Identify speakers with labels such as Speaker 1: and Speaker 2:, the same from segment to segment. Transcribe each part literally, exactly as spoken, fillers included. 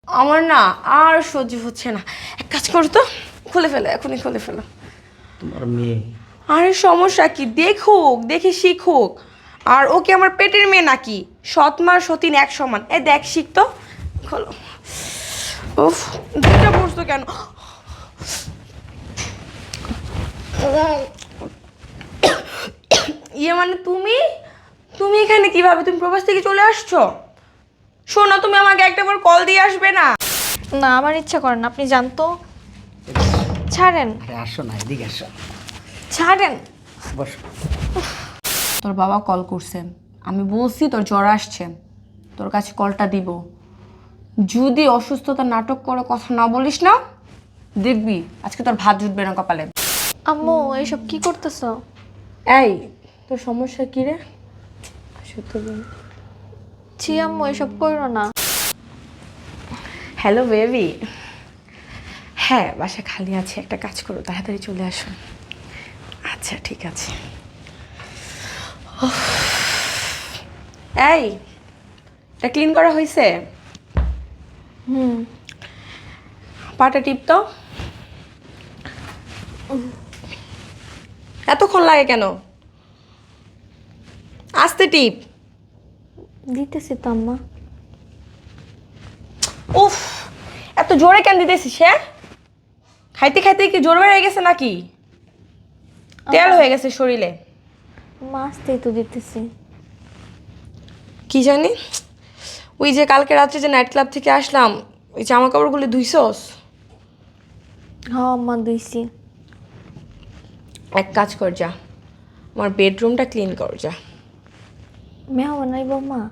Speaker 1: আমার না আর সহ্য হচ্ছে না। এক কাজ করো তো, খুলে ফেলো, এখনই খুলে ফেলো।
Speaker 2: তোমার মেয়ে?
Speaker 1: আরে সমস্যা কি, দেখুক, দেখে শিখুক। আর ও কি আমার পেটের মেয়ে নাকি? সৎ মা সতীন এক সমান। এ দেখ, শিখ তো। খোলো। উফ, দুটা পড়ছো কেন? ইয়ে মানে তুমি তুমি এখানে কিভাবে? তুমি প্রবাস থেকে চলে আসছো? শোনো, তুমি আমাকে একটাবার কল দিয়ে আসবে না?
Speaker 3: না, আমার ইচ্ছা করে না, আপনি জানতো। ছাড়েন।
Speaker 2: আরে আসো না, এদিকে আসো,
Speaker 3: ছাড়েন।
Speaker 2: বসো।
Speaker 1: তোর বাবা কল করছে, আমি বলছি তোর জ্বর আসছে, তোর কাছে কলটা দিব। যদি অসুস্থতা নাটক করে কথা না বলিস না, দেখবি আজকে তোর ভাত জুটবে না কপালে।
Speaker 3: আম্মু, এসব কি করতেছো?
Speaker 1: এই, তোর সমস্যা কি রে? সত্য বল।
Speaker 3: ছি আম্মু, এসব করো না।
Speaker 1: Hello baby. হ্যাঁ, বাসা খালি আছে, একটা কাজ করো, তাড়াতাড়ি চলে আসো। আচ্ছা ঠিক আছে। উফ। এই, এটা ক্লিন করা হয়েছে?
Speaker 3: হুম।
Speaker 1: পাটা টিপ তো। এতক্ষণ লাগে কেন? আস্তে টিপ।
Speaker 3: দিতেছি তো আম্মা।
Speaker 1: উফ, এত জোরে কেন দিতেছিস? হ্যাঁ, খাইতে খাইতে কি জোর বেড়ে গেছে নাকি? তেল হয়ে গেছে শরীরে।
Speaker 3: মাছতেই তো দিতেছি।
Speaker 1: কি জানি, ওই যে কালকে রাত্রে যে নাইট ক্লাব থেকে আসলাম, ওই জামা কাপড়গুলো ধুইছস?
Speaker 3: হ্যাঁ আম্মা, দিয়েছি।
Speaker 1: এক কাজ কর, যা আমার বেডরুমটা ক্লিন কর যা।
Speaker 3: মেয়া বানাইব মা?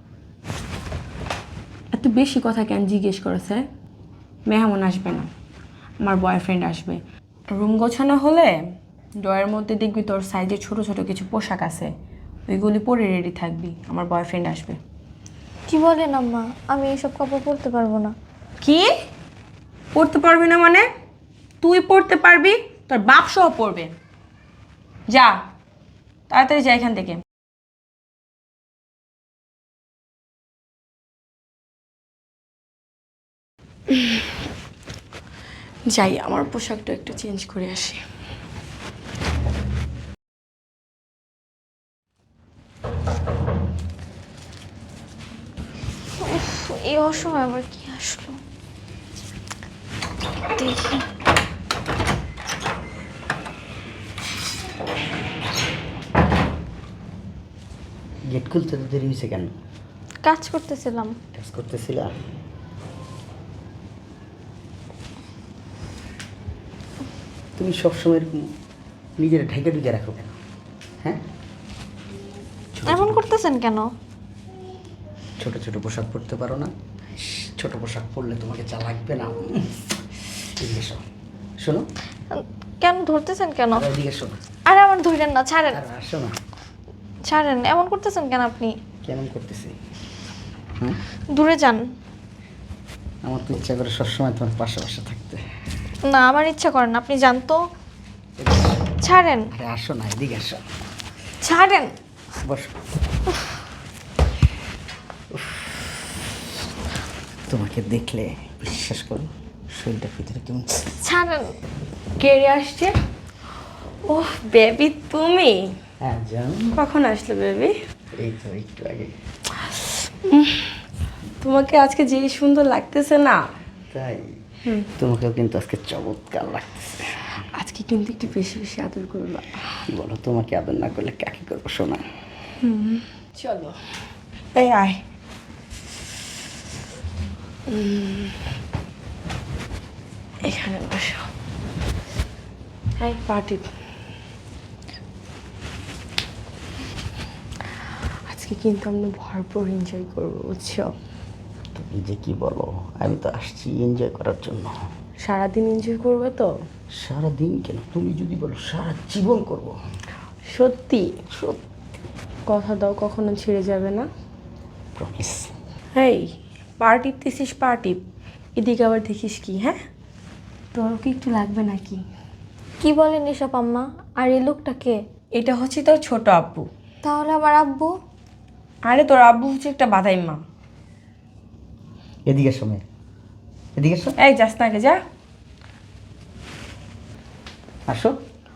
Speaker 1: এত বেশি কথা কেন জিজ্ঞেস করেছে? মেহমান আসবে না, আমার বয়ফ্রেন্ড আসবে। রুম গোছানো হলে ড্রয়ের মধ্যে দেখবি তোর সাইজে ছোট ছোট কিছু পোশাক আছে, ওইগুলি পরে রেডি থাকবি, আমার বয়ফ্রেন্ড আসবে।
Speaker 3: কি বলেন আম্মা? আমি এসব কাপড় পরতে পারবো না।
Speaker 1: কি পড়তে পারবি না মানে? তুই পড়তে পারবি, তোর বাপ সহ পড়বে। যা, তাড়াতাড়ি যা এখান থেকে। যাই, আমার পোশাকটা একটু চেঞ্জ করে আসি।
Speaker 3: উফ, এই অসময় আবার কি আসলো? দেখি।
Speaker 2: গেট খুলতে তো দেরি হয়েছে কেন?
Speaker 3: কাজ করতেছিলাম।
Speaker 2: কাজ করতেছিলা? তুমি সবসময় এরকম নিজের ঢেকে ঢুকে রাখো কেন? হ্যাঁ,
Speaker 3: এমন করতেছেন কেন?
Speaker 2: ছোট ছোট পোশাক পরতে পারো না? ছোট পোশাক পরলে তোমাকে যা লাগবে না। এদিকে এসো, শোনো।
Speaker 3: কেন ধরতেছেন কেন?
Speaker 2: আরে এদিকে এসো।
Speaker 3: আরে আমার ধরেন না, ছাড়েন।
Speaker 2: আরে আসো না।
Speaker 3: ছাড়েন, এমন করতেছেন কেন আপনি?
Speaker 2: কেমন করতেছি? হুম,
Speaker 3: দূরে যান।
Speaker 2: আমার তো ইচ্ছা করে সবসময় তোমার পাশে পাশে থাকতে।
Speaker 3: না, আমার ইচ্ছা করেন, আপনি জানতো। ছাড়েন।
Speaker 2: আরে আসো না, এদিকে আসো,
Speaker 3: ছাড়েন।
Speaker 2: বসো। উফ, তোমাকে দেখলে বিশ্বাস করো শরীরটার ভিতরে কেমন।
Speaker 3: ছাড়েন।
Speaker 1: কে রে আসছে? ওহ বেবি, তুমি
Speaker 2: হ্যাঁ জান।
Speaker 1: কখন আসলে বেবি?
Speaker 2: এই তো একটু আগে।
Speaker 1: তোমাকে আজকে যে সুন্দর লাগতেছে না?
Speaker 2: তাই? তোমাকেও কিন্তু আজকে চমৎকার লাগতেছে।
Speaker 1: আজকে কিন্তু একটু বেশি বেশি আদর করবা।
Speaker 2: কি বলো, তোমাকে আদর না করলে কাকে করবো শোনা?
Speaker 1: চলো, এই আয়। উম, এখানে বসো। এই পার্টি আজকে কিন্তু আমরা ভরপুর এনজয় করবো, বুঝছো?
Speaker 2: তুমি যে কি বলো, আমি তো আসছি এনজয় করার জন্য।
Speaker 1: সারাদিন এনজয় করবে তো?
Speaker 2: সারাদিন কেন, তুমি যদি বলো সারা জীবন করবো।
Speaker 1: সত্যি?
Speaker 2: সত্যি।
Speaker 1: কথা দাও কখনো ছেড়ে যাবে না?
Speaker 2: প্রমিস।
Speaker 1: এই, পার্টি দিছিস পার্টি, এদিকে আবার দেখিস কি? হ্যাঁ, তোর কি একটু লাগবে নাকি?
Speaker 3: কি বলেন এসব আম্মা? আর এই লোকটা কে?
Speaker 1: এটা হচ্ছে তোর ছোট আব্বু।
Speaker 3: তাহলে আমার আব্বু?
Speaker 1: আরে তোর আব্বু হচ্ছে একটা বাদাই মা।
Speaker 2: এদিকে সময় এদিকে এসো।
Speaker 1: এই যাস না কে যা।
Speaker 2: আসো।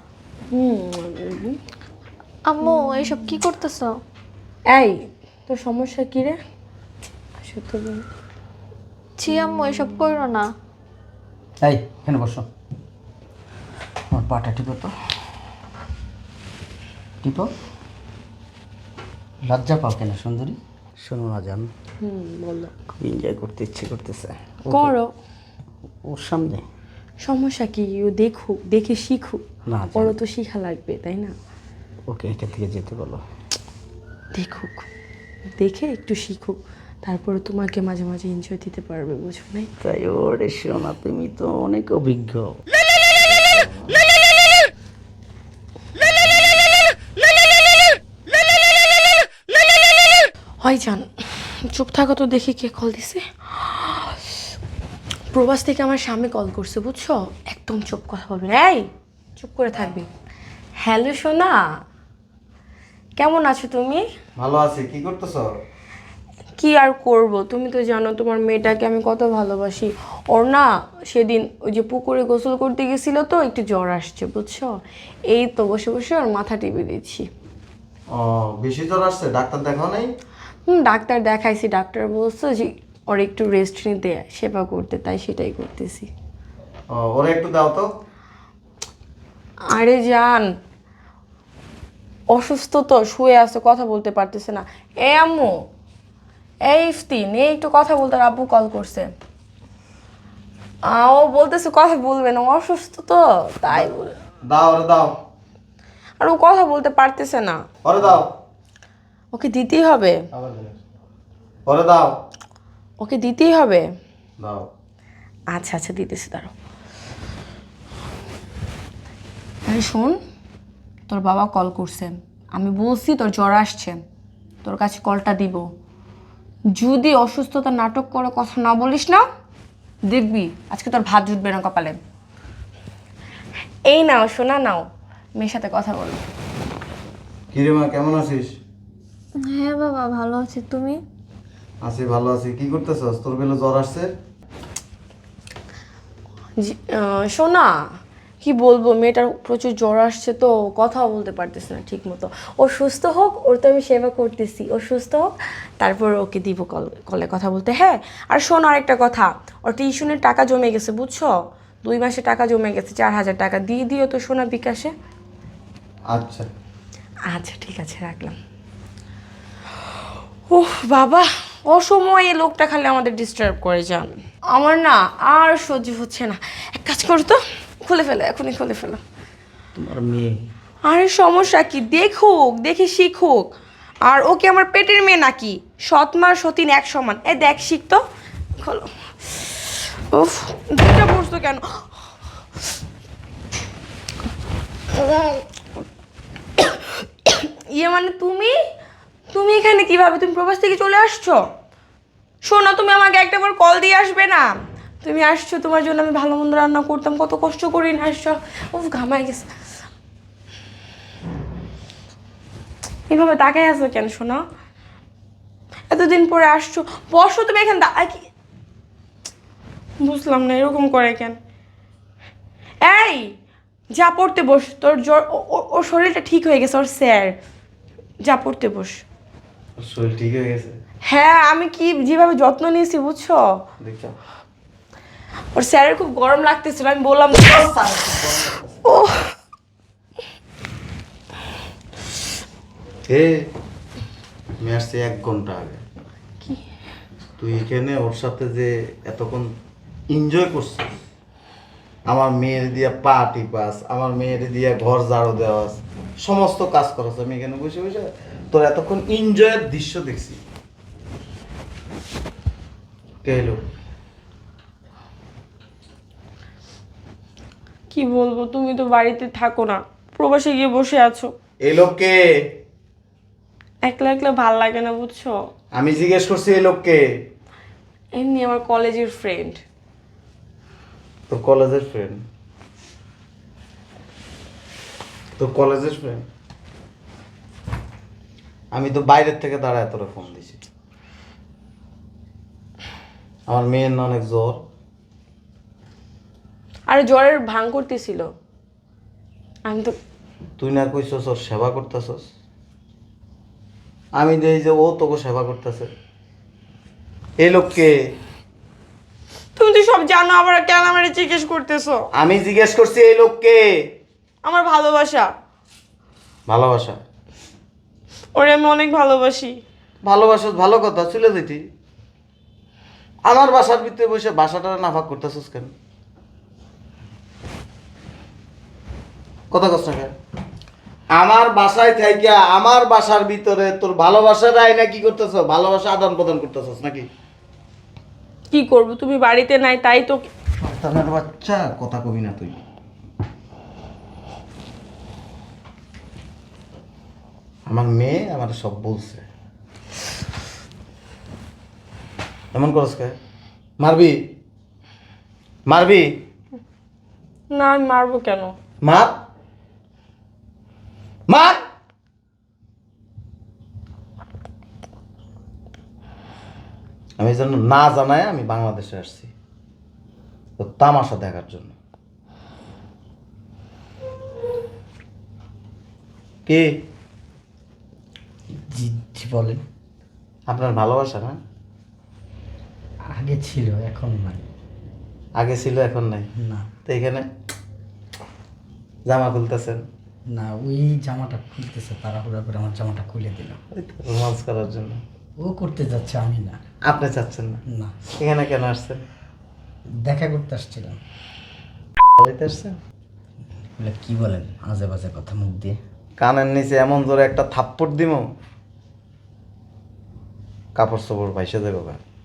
Speaker 3: আম্মু এসব কি করতেছো?
Speaker 1: এই তোর সমস্যা কি রে? আসো তো বল।
Speaker 3: ছি আম্মু এসব করো না।
Speaker 2: এই এখানে বসো। আমার পাটা টিপো তো, টিপো। লজ্জা পাও কেন সুন্দরী? শোনো না জান,
Speaker 1: হুম বলো।
Speaker 2: খুব এনজয় করতে ইচ্ছে করতেছে। ওকে,
Speaker 1: করো।
Speaker 2: ওর সামনে
Speaker 1: সমস্যা কি? ও দেখুক, দেখে শিখুক।
Speaker 2: না জান,
Speaker 1: ওরও তো শিখা লাগবে তাই না?
Speaker 2: ওকে এখান থেকে যেতে বলো।
Speaker 1: দেখুক, দেখে একটু শিখুক, তারপরে তোমাকে মাঝে মাঝে এনজয় দিতে পারবে, বুঝো নাই?
Speaker 2: তাই ওরে শোনা, তুমি তো অনেক অভিজ্ঞ।
Speaker 1: হয় জান, চুপ থাকো তো, দেখি কে কল দিছে। প্রবাস থেকে আমার স্বামী কল করছে, বুঝছো? একদম চুপ, কথা বলবে না। এই চুপ করে থাকবি। হ্যালো সোনা, কেমন আছো তুমি?
Speaker 4: ভালো আছি। কি করতেছো?
Speaker 1: কি আর করব, তুমি তো জানো তোমার মেয়েটাকে আমি কত ভালোবাসি। ওর না সেদিন ওই যে পুকুরে গোসল করতে গেছিল, তো একটু জ্বর আসছে, বুঝছো? এই তো বসে বসে ওর মাথা টিপে দিচ্ছি।
Speaker 4: ও, বেশি জ্বর আসছে? ডাক্তার দেখাও নাই?
Speaker 1: হুম, ডাক্তার দেখাইছি, ডাক্তার বলছে যে ওর একটু রেস্ট নিতে, সেবা করতে, তাই সেটাই করতেছি।
Speaker 4: ও, ওরে একটু দাও তো।
Speaker 1: আরে জান, অসুস্থ তো, শুয়ে আছে, কথা বলতে পারতেছে না। এ আম্মু, এই ইফতিন, এই একটু কথা বলতে, আর আব্বু কল করছে। আ, ও বলতেছে কথা বলবে না, ও অসুস্থ তো তাই বলে।
Speaker 4: দাও, ওরে দাও,
Speaker 1: আর ও কথা বলতে পারতেছে না,
Speaker 4: ওরে দাও।
Speaker 1: ওকে দিতেই হবে,
Speaker 4: আবার দিলে। ওরে দাও,
Speaker 1: ওকে দিতেই হবে।
Speaker 4: দাও।
Speaker 1: আচ্ছা আচ্ছা দিতেছি, দাঁড়াও। আরে শোন, তোর বাবা কল করছে, আমি বলছি তোর জ্বর আসছে, তোর কাছে কলটা দিব। যদি অসুস্থতা নাটক করে কথা না বলিস না, দেখবি আজকে তোর ভাত জুটবে না কপালে। এই নাও শোনা, নাও, মেয়ের সাথে কথা বলো।
Speaker 4: কিরে মা, কেমন আছিস?
Speaker 3: হ্যাঁ বাবা ভালো আছি, তুমি?
Speaker 4: আছি, ভালো আছি। কি করতেছস? তোর বেলা জ্বর আসছে?
Speaker 1: জি- আহ, শোনা, কি বলবো, মেয়েটার প্রচুর জ্বর আসছে তো, কথাও বলতে পারতেছে না ঠিক মতো। ও সুস্থ হোক, ওর তো আমি সেবা করতেছি, ও সুস্থ হোক, তারপর ওকে দিব কল, কলে কথা বলতে। হ্যাঁ, আর শোনো আরেকটা কথা, ওর টিউশনের টাকা জমে গেছে, বুঝছো? দুই মাসে টাকা জমে গেছে, চার হাজার টাকা দিয়ে দিও তো সোনা বিকাশে।
Speaker 4: আচ্ছা।
Speaker 1: আচ্ছা ঠিক আছে, রাখলাম। ওহ বাবা, অসময়ে এই লোকটা খালি আমাদের ডিস্টার্ব করে যান। আমার না আর সহ্য হচ্ছে না, এক কাজ করো তো, খুলে ফেলো, এখনই খুলে ফেলো।
Speaker 2: তোমার মেয়ে।
Speaker 1: আরে সমস্যা কি, দেখুক, দেখে শিখুক। আর ওকে আমার পেটের মেয়ে নাকি? সৎ মা সতীন এক সমান। এ দেখ, শিখ তো, খোলো। উফ, দুটা পড়ছো কেন? ইয়ে মানে তুমি, তুমি এখানে কিভাবে? তুমি প্রবাস থেকে চলে আসছো? শোনো, তুমি আমাকে একটাবার কল দিয়ে আসবে না? তুমি আসছো, তোমার জন্য আমি ভালো মন্দ রান্না করতাম, কত কষ্ট করি না আসছো। উফ, ঘামাই গেছে। এভাবে তাকাই আছো কেন শোনা? এতদিন পরে আসছো, বসো তুমি এখানে। দা- কি বুঝলাম না, এরকম করে কেন? এই, যা পড়তে বস, তোর জ্বর, ও- ও- ওর শরীরটা ঠিক হয়ে গেছে, ওর স্যার। যা পড়তে বস।
Speaker 4: ওর শরীর ঠিক হয়ে গেছে?
Speaker 1: হ্যাঁ, আমি কি যেভাবে যত্ন নিয়েছি, বুঝছো?
Speaker 4: দেখছো?
Speaker 1: ওর স্যারের খুব গরম লাগতেছিল, আমি বললাম ও।
Speaker 4: হে, আমি আসছি এক ঘন্টা আগে।
Speaker 1: কি?
Speaker 4: তুই এখানে ওর সাথে যে এতক্ষণ এনজয় করছিস, আমার মেয়ের দিয়া পা টিপাস, আমার মেয়ের দিয়া ঘর ঝাড়ু দেওয়াস, সমস্ত কাজ করাস, আমি এখানে বসে বসে তোর এতক্ষণ এনজয়ের দৃশ্য দেখছি। কে এলো?
Speaker 1: কি বলবো, তুমি তো বাড়িতে থাকো না, প্রবাসে গিয়ে বসে আছো।
Speaker 4: এই লোককে
Speaker 1: একলা একলা ভাল লাগে না, বুঝছো?
Speaker 4: আমি জিজ্ঞেস করছি, এই লোককে?
Speaker 1: এমনি আমার কলেজের ফ্রেন্ড।
Speaker 4: তোর কলেজের ফ্রেন্ড? তোর কলেজের ফ্রেন্ড? আমি তো বাইরের থেকে দাঁড়ায় তোরা ফোন দিছি। আমার মেয়ের না অনেক জ্বর,
Speaker 1: আরে জ্বরের ভাঙ করতেছিল, আমি তো
Speaker 4: তুই না কইছস ওর সেবা করতেছস, আমি দেখি যে ও তোকে সেবা করতেছে। এই লোককে
Speaker 1: তুমি তো সব জানো, আবার কেন আমার জিজ্ঞেস করতেছো?
Speaker 4: আমি জিজ্ঞেস করছি এই লোককে।
Speaker 1: আমার ভালোবাসা,
Speaker 4: ভালোবাসা?
Speaker 1: ওরে আমি অনেক ভালোবাসি।
Speaker 4: ভালোবাসা ভালো কথা, চলে যেতি। আমার বাসার ভিতরে বসে বাসাটা নাফাক করতেছস কেন? কথা কস না কেন? আমার বাসায় থাইকা আমার বাসার ভিতরে তোর ভালোবাসার আইনা কি করতেছ? ভালোবাসা আদান প্রদান করতেছস নাকি?
Speaker 1: কি করব, তুমি বাড়িতে নাই তাই তো।
Speaker 4: শয়তানের বাচ্চা, কথা কবি না তুই। আমার মেয়ে আমার সব বলছে। এমন করস কে? মারবি? মারবি?
Speaker 1: না আমি মারবো কেন?
Speaker 4: মার মার। আমি যেন না জানায় আমি বাংলাদেশে আসছি তো তামাশা দেখার জন্য। কি
Speaker 2: জি জি বলেন।
Speaker 4: আপনার ভালোবাসা না?
Speaker 2: আগে ছিল, এখন নাই।
Speaker 4: আগে ছিল, এখন নাই?
Speaker 2: না
Speaker 4: তো এখানে জামা খুলতেছেন?
Speaker 2: না, ওই জামাটা খুলতেছে, তাড়াহুড়া করে আমার জামাটা খুলে দিল।
Speaker 4: রোমান্স করার জন্য।
Speaker 2: ও করতে যাচ্ছে, আমি না।
Speaker 4: আপনি চাচ্ছেন না?
Speaker 2: না,
Speaker 4: এখানে কেন আসছেন?
Speaker 2: দেখা করতে আসছিলাম।
Speaker 4: বলতে আসছেন?
Speaker 2: বলে কি বলেন আজে বাজে কথা মুখ দিয়ে?
Speaker 4: কানের নিচে এমন জোরে একটা থাপ্পড় দিব, কাপড় চোপড় ভাইসে দেবো।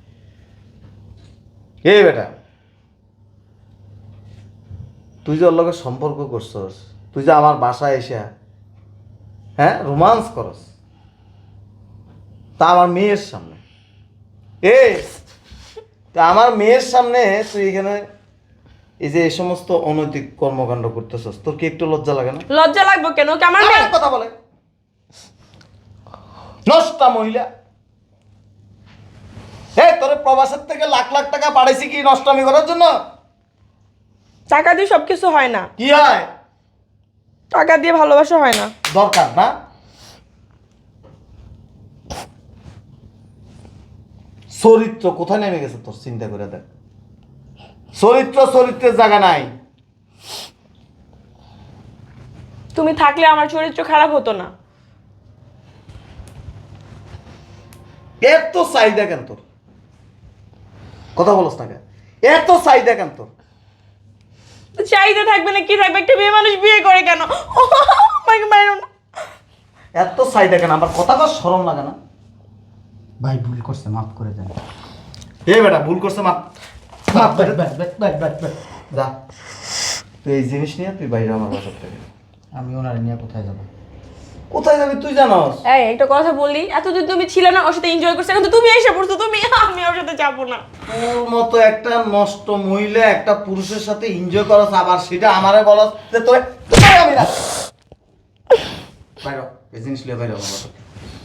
Speaker 4: এই বেটা, তুই যে ওর লগে সম্পর্ক করছস, তুই যে আমার বাসায় এসে হ্যাঁ রোমান্স করস, তা আমার মেয়ের সামনে। এ তা আমার মেয়ের সামনে তুই এখানে এই যে এই সমস্ত অনৈতিক কর্মকাণ্ড করতেছস, তোর কি একটু লজ্জা লাগে না?
Speaker 1: লজ্জা লাগবে কেন? কি আমার মেয়ে?
Speaker 4: আমার কথা বলে নষ্টা মহিলা। এই তোর প্রবাসের থেকে লাখ লাখ টাকা পাঠাইছি কি নষ্টামি করার জন্য?
Speaker 1: টাকা দিয়ে সবকিছু হয় না,
Speaker 4: কি হয়?
Speaker 1: টাকা দিয়ে ভালোবাসা হয় না।
Speaker 4: দরকার না? চরিত্র কোথায় নেমে গেছে তোর, চিন্তা করে দেখ। চরিত্র চরিত্রের জায়গা নাই।
Speaker 1: তুমি থাকলে আমার চরিত্র খারাপ হতো না।
Speaker 4: এত চাহিদা কেন তোর? কথা বলস না কেন? এত চাহিদা কেন তোর?
Speaker 1: তো চাহিদা থাকবে না কি থাকবে? একটা মেয়ে মানুষ বিয়ে করে কেন? আমাকে মারো না।
Speaker 4: এত চাহিদা কেন? আমার কথা কর, শরম লাগে না?
Speaker 2: ভাই ভুল করছে, মাফ করে দেন।
Speaker 4: এ বেটা ভুল করছে, মাপ মাপ করে দে।
Speaker 2: ব্যাস, ব্যাস, ব্যাস, ব্যাস, ব্যাস।
Speaker 4: যা তুই এই জিনিস নিয়ে তুই বাইরে আমার বাসার থেকে।
Speaker 2: আমি ওনার নিয়ে কোথায় যাবো?
Speaker 4: কোথায় যাবি তুই জানোস?
Speaker 1: এই একটা কথা বলি, এতদিন তুমি ছিলে না, ওর সাথে এনজয় করছো, এখন তো তুমি এসে পড়ছো, তুমি আমি ওর সাথে যাবো না।
Speaker 4: তোর মতো একটা নষ্ট মহিলা একটা পুরুষের সাথে এনজয় করস, আবার সেটা আমারে বলস যে তোরে তোরে আমি না। বাইরে এই জিনিস নিয়ে বাইরে আমার বাসা থেকে।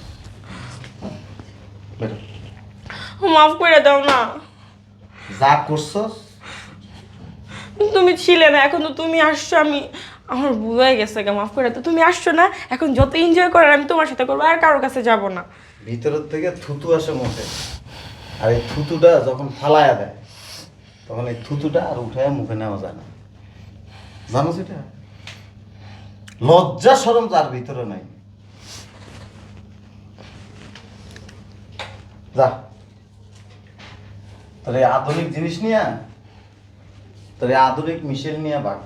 Speaker 4: বাইরে।
Speaker 1: মাফ করে দাও না।
Speaker 4: যা করছস
Speaker 1: তুমি ছিলে না, এখন তো তুমি আসছো, আমি আমার ভুল হয়ে গেছে, মাফ করে দাও। তুমি আসছো না, এখন যত এনজয় করার আমি তোমার সাথে করবো, আর কারোর কাছে যাব না।
Speaker 4: ভিতরের থেকে থুতু আসে মুখে, আর এই থুতুটা যখন ফালায়া দেয় তখন এই থুতুটা আর উঠায় মুখে নেওয়া যায় না, জানো সেটা? লজ্জা শরম যার ভিতরে নাই। যা তোর এই আধুনিক জিনিস নিয়ে, তোর এই আধুনিক মিশেল নিয়ে বাঘ।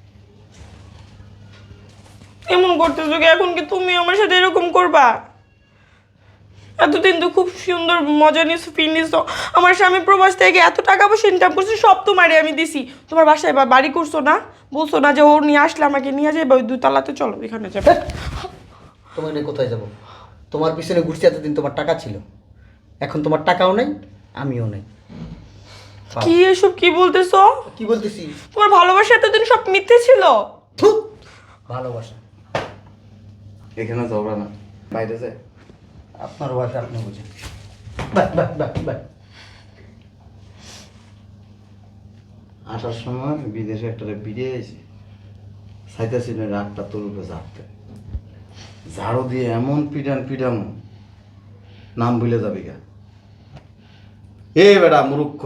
Speaker 1: এমন করতেছো কি? এখন কি তুমি আমার সাথে এরকম করবা? এতদিন তো খুব সুন্দর মজা নিয়েছো, ফিল নিয়েছো। আমার স্বামী প্রবাস থেকে এত টাকা পয়সা ইনকাম করছে, সব তোমারে আমি দিছি। তোমার বাসায় বা বাড়ি করছো না? বলছো না যে ও নিয়ে আসলে আমাকে নিয়ে যাবে ওই দুতলাতে, চলো এখানে যাবে।
Speaker 2: তোমার নিয়ে কোথায় যাব? তোমার পিছনে ঘুরছি এতদিন, তোমার টাকা ছিল, এখন তোমার টাকাও নাই, আমিও নাই।
Speaker 1: কি এসব কি বলতেছো?
Speaker 2: কি বলতেছি?
Speaker 1: তোমার ভালোবাসা এতদিন সব মিথ্যে ছিল।
Speaker 2: থু, ভালোবাসা।
Speaker 4: এখানে ঝগড়া না, বাইরে যায়।
Speaker 2: আপনার ওয়াইফ আপনি বুঝেন। বাহ বাহ বাহ বাহ।
Speaker 4: আসার সময় বিদেশে একটা বিড়িয়ে এসে সাইতাছি না রাতটা তোর উপরে ঝাড়তে, ঝাড়ু দিয়ে এমন পিটান পিটাম নাম ভুলে যাবি গা। এ বেটা মূর্খ,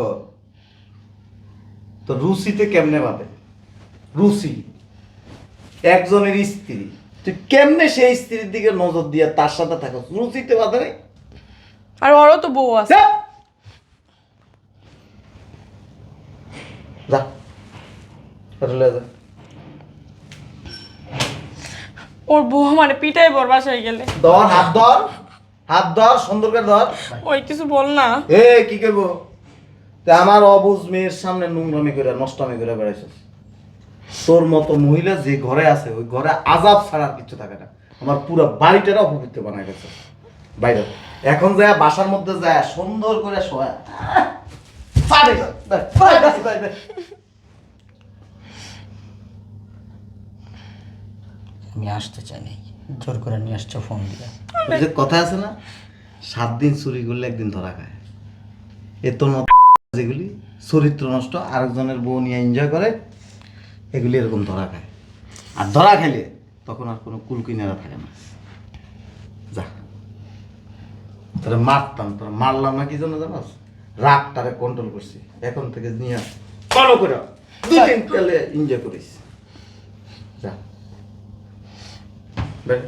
Speaker 4: তো রুচিতে কেমনে বাদে? রুচি একজনের স্ত্রী, তুই কেমনে সেই স্ত্রীর দিকে নজর দিয়ে তার সাথে থাকো? রুচিতে বাদে নেই।
Speaker 1: আর ওরও তো বউ আছে।
Speaker 4: যা যা এটা লয়ে যা।
Speaker 1: ওর বউ মানে পিটাই বর বাসায় গেলে।
Speaker 4: ধর হাত ধর, হাত ধর, সুন্দর করে ধর।
Speaker 1: ওই কিছু বল না।
Speaker 4: এ কি করবো? তা আমার অবুঝ মেয়ের সামনে নোংরামি করে নষ্টামি করে বেড়াইছিস। তোর মতো মহিলা যে ঘরে আছে ওই ঘরে আজাব ছাড়া আর কিছু থাকে না। আমার পুরো বাড়িটারা অপবিত্র বানায় গেছে। বাইরে এখন যায় বাসার মধ্যে যায় সুন্দর করে শোয়া। পারে যা, দে, পারে যা, দে, দে।
Speaker 2: আমি আসতে চাই নাই, জোর করে নিয়ে আসছো ফোন দিয়ে।
Speaker 4: ওই যে কথা আছে না, সাত দিন চুরি করলে একদিন ধরা খায়। এ তোর মতো যেগুলি চরিত্র নষ্ট, আরেকজনের বউ নিয়ে এনজয় করে, এগুলি এরকম ধরা খায়। আর ধরা খাইলে তখন আর কোনো কুলকিনারা থাকে না। যা, তোরা মারতাম, তোরা মারলাম না কি জন্য জানাস? রাগটারে কন্ট্রোল করছি। এখন থেকে নিয়ে ফলো করে দুই দিন পেলে এনজয় করিস। যা বের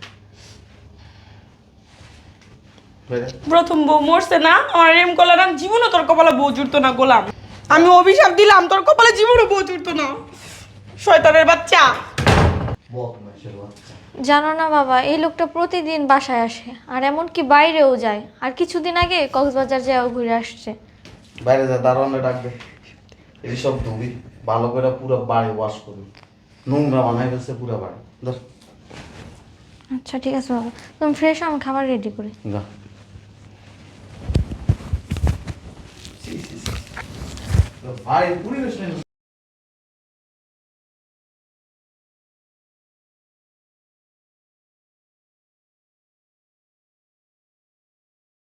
Speaker 4: বের।
Speaker 1: প্রথম বউ মরছে না, আমার এম করলে না জীবনও তোর কপালে বউ জুড়তো না গোলাম। আমি অভিশাপ দিলাম তোর কপালে জীবনও বউ জুড়তো না। শয়তানের বাচ্চা।
Speaker 4: বদমাইশের বাচ্চা।
Speaker 3: জানো না বাবা, এই লোকটা প্রতিদিন বাসায় আসে আর এমনকি বাইরেও যায়। আর কিছুদিন আগে কক্সবাজার যাও ঘুরে আসছে।
Speaker 4: বাইরে যা, দারোয়ানে ডাকবে। এই সব ধুবি ভালো করে পুরো বাড়ি ওয়াশ করবি। নোংরা বানাই গেছে পুরো বাড়ি। ধর
Speaker 3: আচ্ছা ঠিক আছে বাবা, তুমি ফ্রেশ হও, আমি খাবার রেডি করি।
Speaker 4: যা। ভাই পরিবেশ নেই।